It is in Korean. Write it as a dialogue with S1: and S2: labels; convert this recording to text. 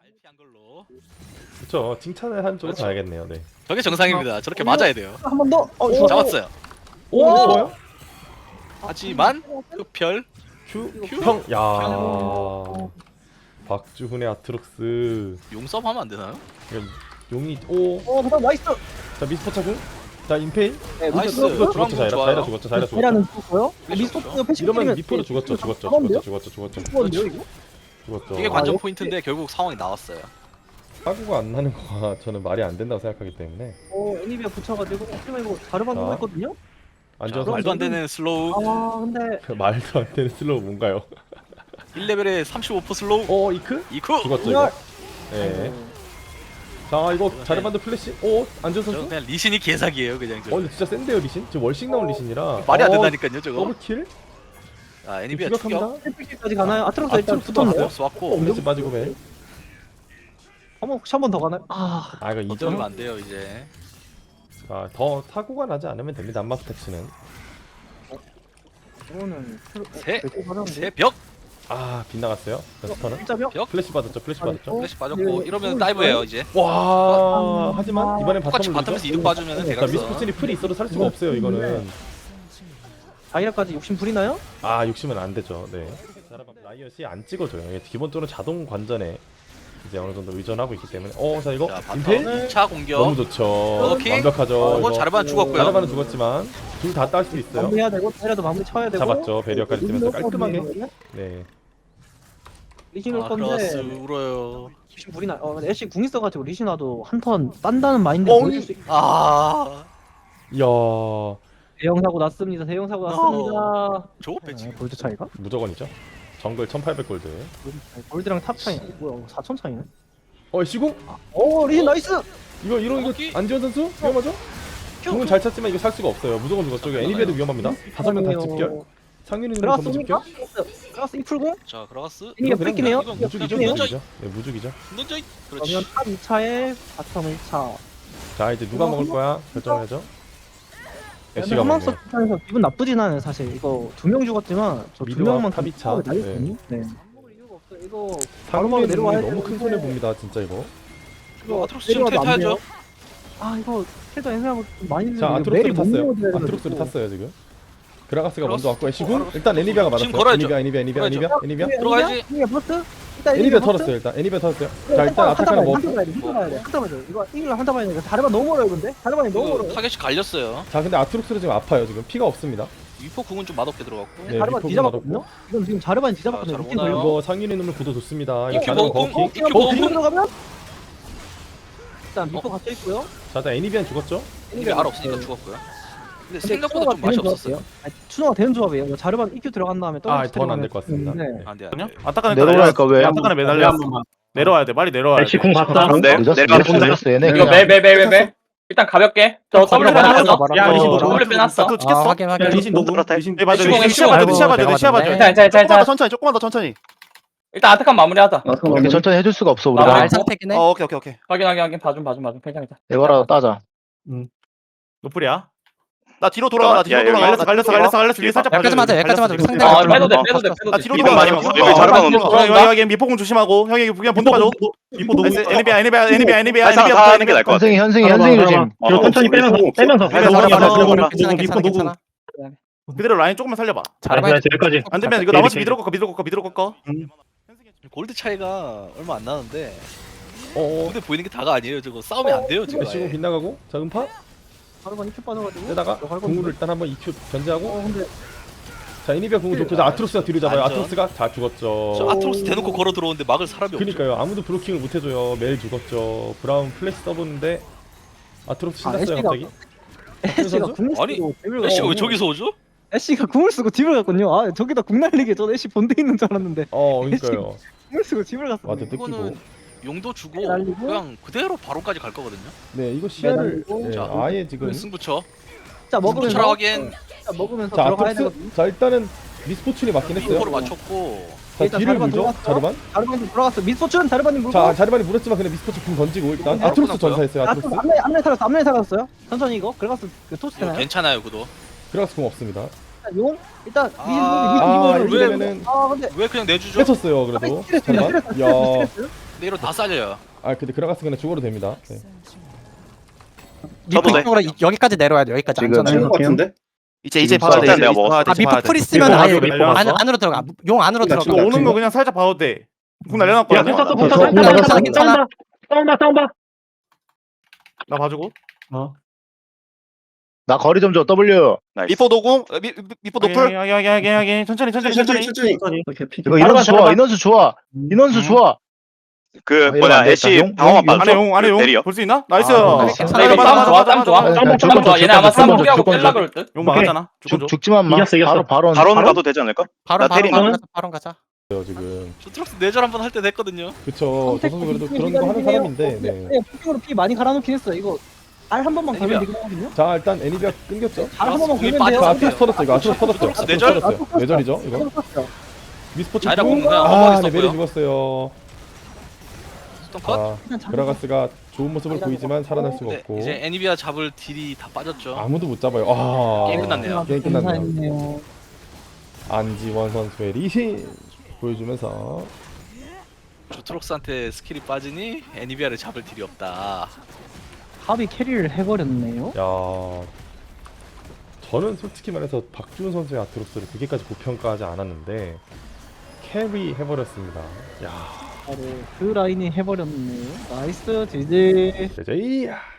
S1: 피한 걸로.
S2: 그렇죠. 칭찬을 한 쪽으로
S1: 그렇죠.
S2: 가야겠네요. 네.
S1: 저게 정상입니다. 저렇게 맞아야 돼요.
S3: 한 번 더.
S1: 잡았어요.
S2: 오, 좋아요.
S1: 하지만 흡혈.
S2: 형, 야. 박주훈의 아트록스.
S1: 용섭 하면 안 되나요?
S2: 용이 오.
S3: 그다음 나이스.
S2: 자 미스포차군. 자 임페이.
S3: 네,
S1: 나이스.
S2: 죽었죠.
S1: 브라운
S2: 자이라
S1: 좋아요.
S2: 죽었죠. 자이라 죽었죠.
S3: 대라는 죽었고요.
S1: 패시
S3: 미스터
S1: 없죠.
S3: 패시
S2: 이러면 미포도 죽었죠. 죽었죠.
S3: 죽었는데요 이거?
S2: 죽었죠.
S1: 이게 관전
S3: 예?
S1: 포인트인데 결국 상황이 나왔어요.
S2: 사고가 안 나는 거가 저는 말이 안 된다고 생각하기 때문에
S3: 애니비아 붙여가지고 하지만 이거 자르반
S2: 자.
S3: 보고 있거든요.
S1: 자,
S2: 앉아서
S1: 말도 안 되는 슬로우.
S3: 아 근데
S2: 말도 안 되는 슬로우 뭔가요?
S1: 1레벨에 35% 슬로우.
S2: 이크?
S1: 이쿠.
S2: 죽었죠 이거. 네. 자 이거 자르반드 플래시. 안전
S1: 저
S2: 선수.
S1: 그냥 리신이 개사기예요, 그냥 저.
S2: 근데 진짜 센데요 리신. 지금 월식 나온 리신이라.
S1: 말이 안 된다니까요, 저거.
S2: 더블킬?
S1: 아, 애니비아 추격.
S2: 추격합니다.
S3: 힐까지 가나요? 아트록스 일단
S2: 아트록스도
S3: 붙었네요.
S2: 왔어요?
S1: 왔고.
S2: 플래시 빠지고 벨.
S3: 혹시 한 번 더 가나요? 아
S2: 이거
S1: 이점이
S2: 이점.
S1: 안 돼요, 이제.
S2: 더 사고가 나지 않으면 됩니다. 안마스 택시는.
S3: 이거는
S1: 새 벽.
S2: 빗나갔어요. 스턴은.
S3: 진짜 벽?
S2: 플래시 받았죠. 플래시 받았죠.
S1: 플래시 빠졌고 이러면 다이브예요, 이제.
S2: 와 하지만 이번엔
S1: 똑같이
S2: 바텀을
S1: 바텀에서
S2: 누르죠.
S1: 이득 봐주면
S2: 자
S1: 대각선.
S2: 미스코슨이 풀이 있어도 살 수가 없어요 이거는.
S3: 다이아까지 욕심 부리나요?
S2: 욕심은 안 되죠. 네. 라이엇이 안 찍어줘요. 이게 기본적으로 자동 관전에 이제 어느 정도 의존하고 있기 때문에. 자 이거
S1: 자,
S2: 임페?
S1: 바텀 2차 공격.
S2: 너무 좋죠.
S1: 오케이.
S2: 완벽하죠.
S1: 이거 자르반 죽었고요.
S2: 자르반은 죽었지만 둘 다 딸 수 있어요.
S3: 마무리해야 되고 다이아도 마무리 쳐야 되고.
S2: 잡았죠. 배리어까지 뜨면서 깔끔하게. 네.
S3: 리신 올
S1: 아, 크로스
S3: 건데
S1: 울어요.
S3: 욕심 부리나? 근데 애쉬 궁 있어가지고 리신와도 한 턴 딴다는 마인드
S2: 어,
S3: 보여줄 수 있...
S1: 아,
S2: 이야
S3: 대형 사고 났습니다. 대형 사고 났습니다.
S1: 저거 배치.
S3: 골드 차이가?
S2: 무조건이죠. 정글 1800골드.
S3: 골드랑 탑 차이 뭐야 4천 차이네?
S2: 시공?
S3: 리신 나이스!
S2: 이거
S1: 오케이.
S2: 안지원 선수 위험하죠? 궁은 잘 찼지만 이거 살 수가 없어요. 무조건 죽었죠. 이거 애니비에도 위험합니다. 5명 다 집결. 상윤이는 전부 집결.
S3: 들어갔어 이 풀공?
S1: 자, 들어갔어.
S3: 이게
S2: 그냥
S3: 뺏기네요?
S1: 이건
S2: 무죽이죠.
S1: 그냥
S2: 무죽이죠. 네, 무죽이죠.
S1: 던져.
S3: 그러면
S1: 그렇지.
S3: 탑 2차에 바텀 1차
S2: 자 이제 누가 먹을 거야 결정해야죠. 애쉬가
S3: 한맘서
S2: 먹네요.
S3: 차에서 기분 나쁘진 않아요 사실 이거 2명 죽었지만 저 두
S2: 미드와
S3: 명만
S2: 탑 2차.
S3: 날렸거든요? 네. 이유가 없어요 이거 바로바로
S2: 상윤이는
S3: 내려와야
S2: 너무 큰
S3: 되는데
S2: 손해 봅니다. 진짜 이거.
S1: 이거 아트록스 지금
S3: 내려와도 안
S1: 탈퇴하죠.
S3: 돼요. 이거 킬도 애매하고 좀 많이
S2: 자
S3: 늦는데 매일
S2: 아트록스를
S3: 못
S2: 탔어요.
S3: 먹어야 돼가지고.
S2: 아트록스를 탔어요 지금. 그라가스가
S1: 그라가스.
S2: 먼저 왔고 애쉬군 일단 애니비아가 맞았어요.
S1: 지금 걸어야죠.
S2: 애니비아.
S1: 들어가야지.
S3: 애니비아 버스? 일단
S2: 애니비아 털었어요. 일단 애니비아 털었어요. 자 일단 아타카는 뭐?
S3: 한타 봐야 돼 한타 봐야 돼 이거 이길라 한타 봐야 돼 다르반 너무 멀어요 근데 다르반이 너무
S1: 이거
S3: 멀어요
S1: 타겟이 갈렸어요.
S2: 자 근데 아트록스는 지금 아파요. 지금 피가 없습니다.
S1: 위포 궁은 좀 맛없게 들어갔고.
S2: 네,
S3: 다르반
S2: 리포
S3: 뒤잡았거든요? 이건 지금 자르반이 뒤잡았거든요
S1: 자,
S3: 미팅
S1: 잘
S3: 걸려
S2: 이거 상윤의 눈물 구도 좋습니다. 이거
S1: 이큐
S2: 자르반
S1: 먹고,
S2: 버킹.
S1: 이큐 먹고.
S3: 뒤로 들어가면 일단 미포 갇혀 있고요
S2: 자 일단 애니비안 죽었죠?
S1: 이게 알 없으니까 죽었고요. 근데 생각보다 좀
S3: 추노가
S1: 맛이
S3: 되는
S1: 없었어요.
S3: 조합이에요. 추노가 되는 조합이에요 이거 자르반 EQ 들어간 다음에
S2: 더는 안 될 것 같습니다.
S3: 네.
S2: 네.
S1: 안 돼, 안
S4: 아니요?
S1: 돼.
S4: 아타카는
S5: 내려오니까 왜?
S4: 아타카는 매달려. 내려와야 돼. 빨리 내려와야 돼.
S6: 애쉬 궁 봤어?
S5: 늦었어 얘네
S6: 이거
S5: 그냥
S6: 매매매매매 일단 가볍게 저 W 빼놨어
S4: 야, 리신 너
S6: W 빼놨어
S4: 또 찍혔어?
S7: 확인 확인.
S4: 리신 녹음. 리신 맞아.
S6: 애쉬
S4: 리신 시야 봐줘. 돼, 시야 봐줘. 돼, 시야 봐줘. 돼.
S6: 자
S4: 조금만 더
S6: 천천히
S4: 조금만 더 천천히.
S6: 일단 아타칸 마무리하자
S5: 이렇게 천천히 해줄 수가 없어
S6: 아,
S5: 우리가
S7: 알 상태긴 해.
S4: 오케이.
S6: 확인 봐줌 괜찮아
S5: 이거라도 따자
S4: 노플이야. 나 뒤로 돌아가. 나 뒤로 돌아가. 갈렸어. 뒤에 살짝
S7: 여기까지 맞아, 여기까지 맞아. 우리 상대
S6: 아
S7: 좀
S6: 빼도 돼
S4: 나 뒤로
S6: 뒤로
S4: 돌아가.
S6: 많이
S4: 자르반 없어. 여기 미포공 조심하고. 형이 그냥 본드 봐줘. 미포 녹음. 애니비아.
S5: 현승이 조심
S6: 뒤로
S4: 천천히 빼면서
S7: 괜찮아 괜찮아.
S4: 그대로 라인 조금만 살려봐.
S7: 잘해봐.
S6: 여기까지
S4: 안 되면 이거 나머지 미드로 꺾어.
S1: 골드 차이가 얼마 안 나는데
S2: 어어.
S1: 근데 보이는 게 다가 아니에요. 저거 싸우면 안 돼요 지금.
S2: 애쉬군
S1: 아예.
S2: 빗나가고 자 음파
S3: 자르반 EQ 빠져가지고
S2: 내다가
S3: 들어갈
S2: 궁을
S3: 건데.
S2: 일단 한번 EQ 견제하고
S3: 근데
S2: 자 애니비아 궁을 좋고 자 아트록스가 뒤로 잡아요.
S1: 안전.
S2: 아트록스가 다 죽었죠.
S1: 저 아트록스 대놓고 걸어 들어오는데 막을 사람이 없죠.
S2: 그니까요 아무도 브로킹을 못 해줘요. 매일 죽었죠. 브라운 플래시 써보는데 아트록스 신났어요
S3: 애쉬가-
S2: 갑자기.
S3: 애쉬가
S2: 선수?
S3: 궁을
S1: 아니,
S3: 쓰고 딜을
S1: 애쉬가 왜
S3: 갔거든요.
S1: 저기서 오죠?
S3: 애쉬가 궁을 쓰고 딜을 갔거든요 저기다 궁 날리게 전 애쉬 본대 있는 줄 알았는데
S2: 그니까요.
S3: 궁을 쓰고 딜을 갔어
S2: 와드 뜯기고.
S1: 이거는 용도 주고
S3: 날리고.
S1: 그냥 그대로 바로까지 갈 거거든요.
S2: 네 이거 시야를
S3: 매달리고.
S2: 네,
S1: 자,
S2: 아예 지금
S1: 승부처.
S3: 자 먹으면서
S1: 승부처라 하기엔
S3: 자, 먹으면서
S2: 자
S3: 들어가야
S2: 아트록스
S3: 되거든요
S2: 자 일단은 미스포춘이 맞긴 했어요.
S1: 링코를 맞췄고
S2: 자
S3: 일단
S2: 뒤를
S3: 자르반
S2: 물죠
S3: 들어갔어요?
S2: 자르반.
S3: 자르반이 들어갔어 미스포춘 자르반이 물고
S2: 자 자르반이 물었지만 근데 미스포춘 궁 던지고 일단
S1: 바로
S2: 아트록스
S1: 끝났고요.
S2: 전사했어요. 아트록스.
S3: 앞면에 살았어요 천천히 이거 그래가서 그 토스
S1: 이거
S3: 되나요?
S1: 괜찮아요 구도.
S2: 그라가스 궁 없습니다.
S3: 용 일단
S1: 아,
S3: 미신
S2: 이러면은
S3: 근데
S1: 왜 그냥 내주죠?
S2: 뺏었어요 그래도.
S3: 스트레스야
S2: 자르반.
S3: 스트레스
S2: 야
S3: 스트레스
S1: 근데 이로 다 잘려요.
S2: 아 근데 그라가스 그냥 죽어도 됩니다. 네.
S4: 저도 돼.
S7: 쪽으로 여기까지 내려와야 돼. 여기까지
S5: 지금
S7: 안전하게.
S8: 것 같은데?
S4: 이제
S5: 지금
S4: 봐야 돼.
S5: 일단
S4: 이제
S5: 내가
S4: 봐야 돼.
S7: 아 미포 풀 있으면
S2: 밀고
S7: 아예
S2: 가죠, 밀고 가죠.
S7: 안으로 들어가. 용 안으로
S8: 나
S7: 들어가.
S8: 지금
S4: 오는 거 그냥 살짝 봐도 돼. 궁 날려놨거든요.
S8: 야,
S3: 공
S7: 괜찮아,
S3: 맞았어.
S7: 괜찮아.
S3: 싸운다.
S4: 나 봐주고.
S5: 나 거리 좀 줘. W.
S4: 미포 노궁. 미포 노플. 하게. 천천히.
S5: 이거 인원수 좋아. 인원수 좋아. 인원수 좋아.
S9: 그
S5: 이러면
S9: 뭐냐
S5: 안 되겠다.
S9: 애쉬
S5: 용-
S9: 방어만
S5: 용-
S9: 빠져.
S4: 안에 용
S9: 내려.
S4: 볼 수 있나? 나이스.
S5: 아,
S7: 괜찮아.
S6: 이거 싸움 좋아 싸움 좋아.
S5: 네,
S6: 싸움
S5: 줄
S6: 좋아. 얘네 아마 싸움 포기하고
S5: 줄
S6: 뺄라 그럴 듯.
S4: 용 막았잖아. 죽어줘.
S5: 죽지만 마. 바로
S9: 바론 가도 되지 않을까?
S7: 바로
S9: 나 때리나?
S7: 바로 가자.
S2: 지금
S1: 저 트럭스 내절 한번 할 때 됐거든요.
S2: 그쵸. 저 선수 그래도 그런 거 하는 사람인데. 네.
S3: 폭격으로 피 많이 갈아놓긴 했어. 이거 알 한 번만 걸면 되긴 하거든요.
S2: 자 일단 애니비아 끊겼죠.
S3: 알 한 번만
S1: 공이
S3: 걸면 돼요.
S2: 자
S1: 빠졌어.
S2: 아트로스 터졌죠. 이거 아트로스 터졌죠.
S1: 트럭스
S2: 아트로스
S1: 내절?
S2: 터졌어요. 내절이죠 이거. 미스포츠
S1: 자이라 공은 그냥
S2: 아
S1: 어머니
S2: 네 메리
S1: 썼고요.
S2: 죽었어요.
S1: 스톤 컷.
S2: 아 그라가스가 좋은 모습을 보이지만 살아날 수가
S1: 네,
S2: 없고
S1: 이제 애니비아 잡을 딜이 다 빠졌죠.
S2: 아무도 못 잡아요. 아
S1: 게임 끝났네요.
S2: 게임 끝났네요.
S3: 감사했네요.
S2: 안지원 선수의 리신 보여주면서
S1: 저 트럭스한테 스킬이 빠지니 애니비아를 잡을 딜이 없다.
S3: 합이 캐리를 해버렸네요.
S2: 야 저는 솔직히 말해서 박주훈 선수의 아트로스를 그렇게까지 고평가하지 않았는데 캐리 해버렸습니다. 야
S3: 바로 그 라인이 해버렸네요. 나이스 지지.
S2: 제제이